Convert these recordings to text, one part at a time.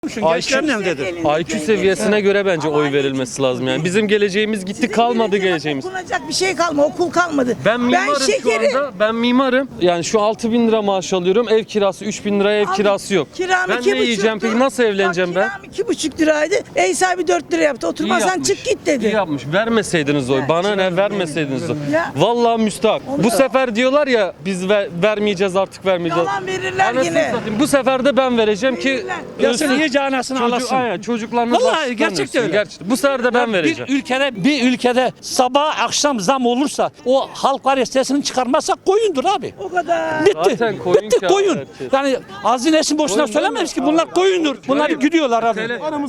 Gençlerin elindedir. IQ seviyesine göre bence oy verilmesi lazım yani. Bizim geleceğimiz gitti, kalmadı geleceğimiz. Okunacak bir şey kalmadı, okul kalmadı. Ben mimarım şu anda. Ben mimarım. Yani şu 6.000 lira maaş alıyorum. Ev kirası 3.000 liraya ev kirası yok. Kiram Ben ne yiyeceğim peki? Nasıl evleneceğim ben? Kiram 2,5 liraydı. Ev sahibi 4 lira yaptı. Oturmazsan çık git dedi. İyi yapmış. Vermeseydiniz oy. Bana ne vermeseydiniz oy. Ya. Vallahi müstahak. Bu sefer diyorlar ya biz vermeyeceğiz artık vermeyeceğiz. Yalan verirler Anasını yine. satayım. Bu sefer de ben vereceğim ki Verirler. Yasın iyice anasını alasın. Aynen çocuklarınız Vallahi açlıktan gerçekten ölsün. öyle. Gerçekten. Bu sefer de ben vereceğim. Bir ülkede sabah akşam zam olursa o halk var ya sesini çıkarmazsa koyundur abi. O kadar. Bitti. Zaten koyun Bitti ki koyun. abi herkes. Yani hazinesin boşuna Koyun söylememiş ki bunlar koyundur. Bunlar gidiyorlar abi.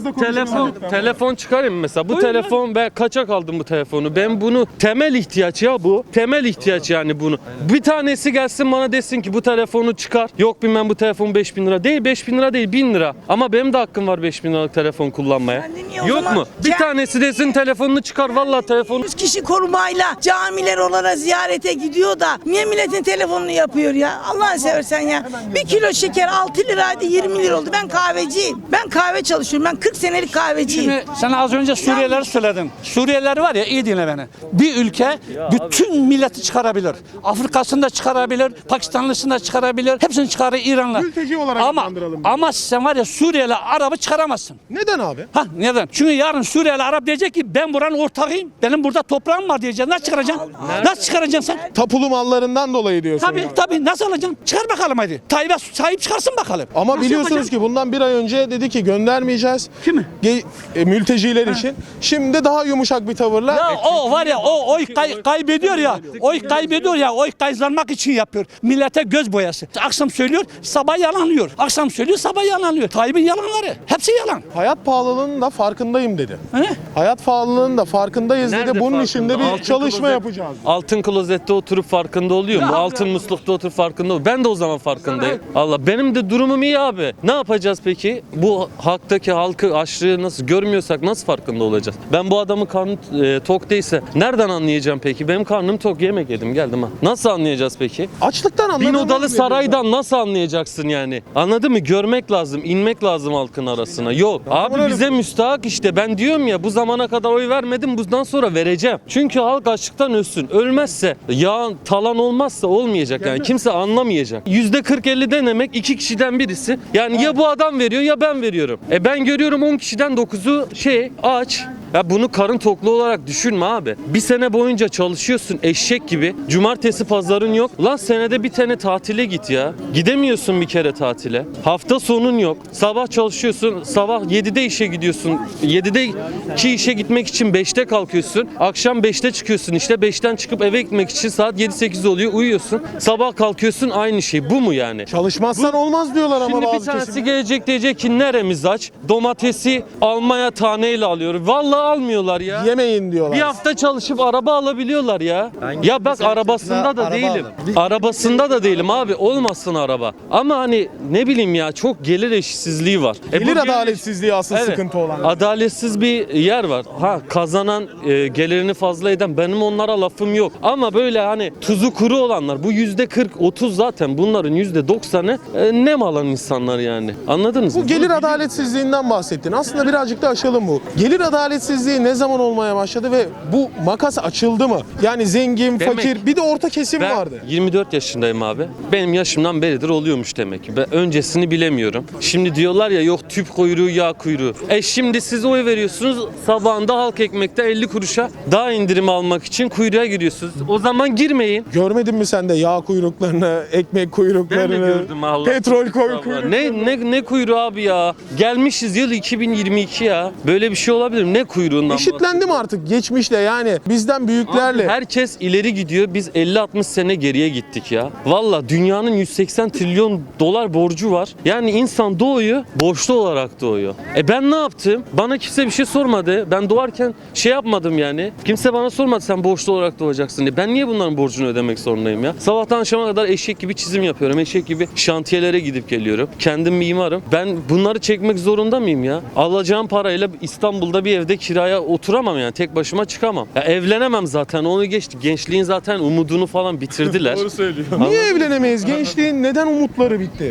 Telefon çıkarayım mesela. Bu telefon ben kaçak aldım bu telefonu. Ben bunu temel ihtiyaç ya bu. Temel ihtiyaç yani bunu. Bir tanesi gelsin bana desin ki bu telefonu çıkar. Yok bilmem bu telefon 5.000 lira. Değil 5.000 lira değil 1.000 lira. Ama benim de hakkım var 5.000 liralık telefon kullanmaya. Ben de niye o Yok zaman mu? Bir tanesi desin telefonunu çıkar. Vallahi telefonu 100 kişi korumayla camiler olana ziyarete gidiyor da niye milletin telefonunu yapıyor ya? Allah'ını seversen ya. 1 kilo şeker 6 liraydı 20 lira oldu. Ben kahveciyim. Ben kahve çalışıyorum. Ben 40 senelik kahveciyim. Şimdi sen az önce Suriyelileri söyledin. Suriyeliler var ya iyi dinle beni. Bir ülke bütün milleti çıkarabilir. Afrika'sını da çıkarabilir, Pakistanlısını da çıkarabilir. Hepsini çıkarır İran'la. Mülteci olarak adlandıralım. Ama sen var ya Suriyeli Arap'ı çıkaramazsın. Neden abi? Neden? Çünkü yarın Suriyeli Arap diyecek ki ben buranın ortağıyım. Benim burada toprağım var diyecek. Nasıl çıkaracaksın? Nasıl çıkaracaksın sen? Tapulu mallarından dolayı diyorsun. Tabii nasıl alacaksın? Çıkar bakalım hadi. Tayyip'e sahip çıkarsın bakalım. Ama Nasıl biliyorsunuz yapacaksın? ki bundan bir ay önce dedi ki göndermeyeceğiz. Kimi? Mülteciler için. Şimdi daha yumuşak bir tavırla. Ya o var ya o oy kaybediyor ya. Oy kaybediyor ya. Oy kazanmak için yapıyor. Millete göz boyası. Akşam söylüyor, sabah yalanlıyor. Akşam söylüyor, sabah yalanlıyor. Tayyip'in yalanları. Hepsi yalan. Hayat pahalılığının da farkındayım dedi. He? Hayat pahalılığının da farkındayız Nerede dedi. Bunun farkında? için de bir Altın çalışma klozet- yapacağız. Altın klozette oturup farkında oluyor mu? Altın muslukta oturup farkında oluyor. Ben de o zaman farkındayım. Allah benim de durumum iyi abi. Ne yapacağız peki? Bu halktaki halkı açlığı nasıl görmüyorsak nasıl farkında olacağız? Ben bu adamın karnı tok değilse nereden anlayacağım peki? Benim karnım tok yemek yedim geldim ha. Nasıl anlayacağız peki? Açlıktan Bin anladığımız odalı bir saraydan nasıl anlayacaksın yani? Anladın mı? Görmek lazım, inmek lazım halkın arasına. Yok. Abi bize müstahak işte. Ben diyorum ya bu zamana kadar oy vermedim. Bundan sonra vereceğim. Çünkü halk açlıktan ölsün. Ölmezse, yağ talan olmazsa olmayacak yani. Kimse anlamayacak. %40-50 denemek 2 kişiden birisi. Yani ya bu adam veriyor ya ben veriyorum. Ben görüyorum 10 kişiden 9'u aç. Ya bunu karın toklu olarak düşünme abi. Bir sene boyunca çalışıyorsun eşek gibi. Cumartesi pazarın yok. Lan senede bir tane tatile git ya. Gidemiyorsun bir kere tatile. Hafta sonun yok. Sabah çalışıyorsun. Sabah 7'de işe gidiyorsun. 7'deki işe gitmek için 5'te kalkıyorsun. Akşam 5'te çıkıyorsun işte. 5'ten çıkıp eve gitmek için saat 7-8 oluyor. Uyuyorsun. Sabah kalkıyorsun aynı şey. Bu mu yani? Çalışmazsan olmaz diyorlar ama Şimdi bir bazı tanesi kesimler. gelecek diyecek ki neremiz aç? Domatesi almaya taneyle alıyor. Vallahi almıyorlar ya. Yemeyin diyorlar. Bir hafta çalışıp araba alabiliyorlar ya. Ya bak arabasında da değilim. Arabasında da değilim abi. Olmasın araba. Ama hani ne bileyim ya çok gelir eşitsizliği var. Gelir bu adaletsizliği asıl Evet. sıkıntı olan. Adaletsiz bir yer var. Kazanan gelirini fazla eden benim onlara lafım yok. Ama böyle hani tuzu kuru olanlar bu %40-30 zaten bunların %90'ı nem alan insanlar yani. Anladınız mı? Bu gelir adaletsizliğinden bahsettin. Aslında birazcık da aşalım bu. Gelir adaletsizliği ne zaman olmaya başladı ve bu makas açıldı mı? Yani zengin, fakir, bir de orta kesim Ben vardı. 24 yaşındayım abi. Benim yaşımdan beridir oluyormuş demek ki. Ben öncesini bilemiyorum. Şimdi diyorlar ya yok tüp kuyruğu, yağ kuyruğu. Şimdi siz oy veriyorsunuz. Sabahında halk ekmekte 50 kuruşa daha indirim almak için kuyruğa giriyorsunuz. O zaman girmeyin. Görmedin mi sen de yağ kuyruklarını, ekmek Ben de kuyruklarını, gördüm Allah. petrol kuyruklarını? Ne kuyruğu abi ya? Gelmişiz yıl 2022 ya. Böyle bir şey olabilir mi? Ne kuyruğundan Eşitlendi mi artık geçmişle yani bizden büyüklerle? Herkes ileri gidiyor. Biz 50-60 sene geriye gittik ya. Valla dünyanın 180 trilyon dolar borcu var. Yani insan doğuyor, borçlu olarak doğuyor. Ben ne yaptım? Bana kimse bir şey sormadı. Ben doğarken şey yapmadım yani. Kimse bana sormadı sen borçlu olarak doğacaksın diye. Ben niye bunların borcunu ödemek zorundayım ya? Sabahtan akşama kadar eşek gibi çizim yapıyorum. Eşek gibi şantiyelere gidip geliyorum. Kendim mimarım. Ben bunları çekmek zorunda mıyım ya? Alacağım parayla İstanbul'da bir evde kiraya oturamam yani. Tek başıma çıkamam. Ya evlenemem zaten. Onu geçti. Gençliğin zaten umudunu falan bitirdiler. Niye evlenemeyiz? Gençliğin neden umutları bitti?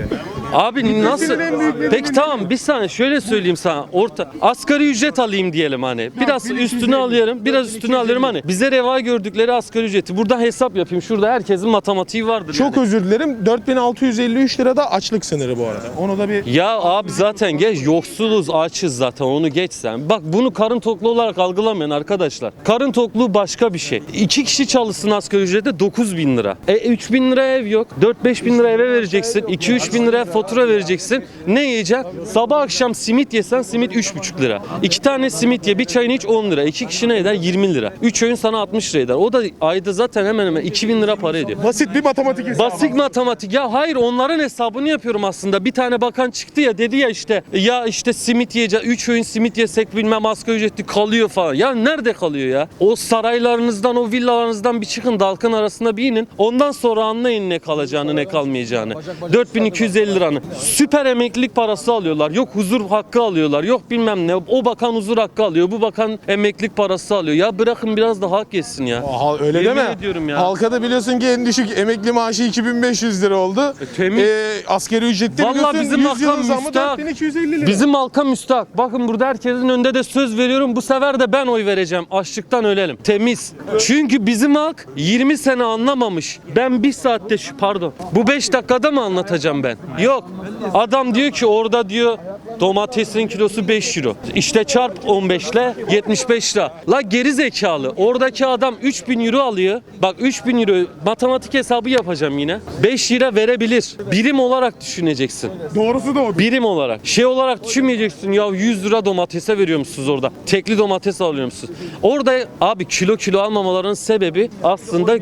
Abi nasıl? en büyük nedeni Peki ne? tamam bir saniye şöyle söyleyeyim sana. Asgari ücret alayım diyelim hani. Biraz 1250, üstüne alıyorum. Biraz üstüne 1250. alıyorum hani. Bize reva gördükleri asgari ücreti. Burada hesap yapayım. Şurada herkesin matematiği vardır Çok yani. özür dilerim. 4653 lira da açlık sınırı bu arada. Onu da bir Ya abi zaten geç yoksuluz açız zaten onu geç sen. Bak bunu karın tokluğu olarak algılamayın arkadaşlar. Karın tokluğu başka bir şey. 2 kişi çalışsın asgari ücrete 9.000 lira. 3.000 lira ev yok. 4-5 bin lira eve vereceksin. 2-3 bin lira fatura vereceksin. Ne yiyeceksin? Sabah akşam simit yesen simit 3,5 lira. 2 tane simit ye bir çayını iç 10 lira. 2 kişi ne eder? 20 lira. 3 öğün sana 60 lira eder. O da ayda zaten hemen hemen 2.000 lira para ediyor. basit bir matematik hesabı. Basit matematik. Ya hayır onların hesabını yapıyorum aslında. Bir tane bakan çıktı ya dedi ya işte simit yiyeceğiz. 3 öğün simit yesek bilmem asgari ücretli kalıyor falan. Ya nerede kalıyor ya? O saraylarınızdan o villalarınızdan bir çıkın da halkın arasında bir inin. Ondan sonra anlayın ne kalacağını ne kalmayacağını. 4250 liranı. Süper emeklilik parası alıyorlar. Yok huzur hakkı alıyorlar. Yok bilmem ne. O bakan huzur hakkı alıyor. Bu bakan emeklilik parası alıyor. Ya bırakın biraz da hak yesin ya. Aha, öyle Yemin deme. ediyorum ya. Halka da biliyorsun ki en düşük emekli maaşı 2500 lira oldu. temiz. Asgari ücrette Vallahi biliyorsun bizim 100 halka yılın zammı müstahak. 4250 lira. Bizim halka müstahak. Bakın burada herkesin önünde de söz veriyorum. Bu sefer de ben oy vereceğim. Açlıktan ölelim. Temiz. Çünkü bizim halk 20 sene anlamamış. Ben bir saatte bu 5 dakikada mı anlatacağım ben? Yok. Adam diyor ki orada diyor domatesin kilosu 5 euro. İşte çarp 15 ile 75 lira. La geri zekalı. Oradaki adam 3000 euro alıyor. Bak 3000 euro matematik hesabı yapacağım yine. 5 lira verebilir. Birim olarak düşüneceksin. Doğrusu da o. Birim olarak. Şey olarak düşünmeyeceksin ya 100 lira domatese veriyor musunuz orada? Tekli domates alıyor musunuz? Orada abi kilo almamaların sebebi aslında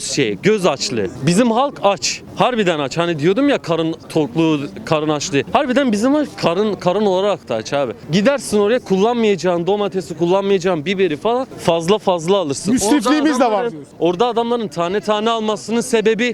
göz açlığı. Bizim halk aç. Harbiden aç. Hani diyordum ya karın tokluğu, karın açlığı. Harbiden bizim halk karın olarak da aç abi. Gidersin oraya kullanmayacağın domatesi, kullanmayacağın biberi falan fazla alırsın. Müsrifliğimiz de var Orada diyorsun. orada adamların tane almasının sebebi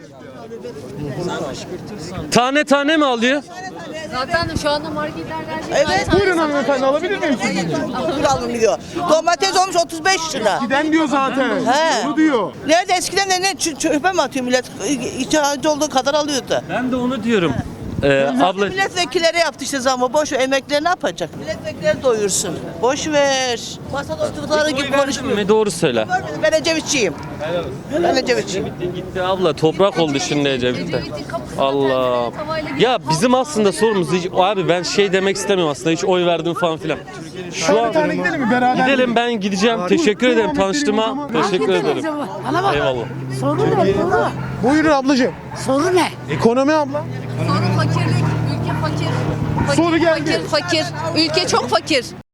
tane mi alıyor? Zaten şu anda marketlerde Evet. Buyurun hanımefendi alabilir miyim? Alınıyor. Domates olmuş 35 lira. Giden diyor zaten. He. Onu diyor. Nerede eskiden de çöpe mi atıyor millet? İhtiyacı olduğu kadar alıyordu. Ben de onu diyorum. Abla Milletvekilleri yaptı işte zamı. Boş ver. Emekliler ne yapacak? Milletvekilleri doyursun. Boş ver. Masada oturdukları gibi konuşmuyor. ne doğru söyle. Görmedim. Ben Ecevitçiyim. Ben Ecevitçiyim. Gitti abla toprak oldu şimdi Ecevit'te. Allah. Ya bizim aslında sorumuz hiç abi ben şey demek istemiyorum aslında hiç oy verdim falan filan. Şu Bir an tane gidelim mi beraber? gidelim ben gideceğim. Teşekkür ederim tanıştığıma. Teşekkür ederim. Bana bak. Eyvallah. Soru ne? Soru. Buyurun ablacığım. Soru ne? Ekonomi abla. Sorun fakirlik, ülke fakir. Soru geldi. Fakir. Ülke çok fakir.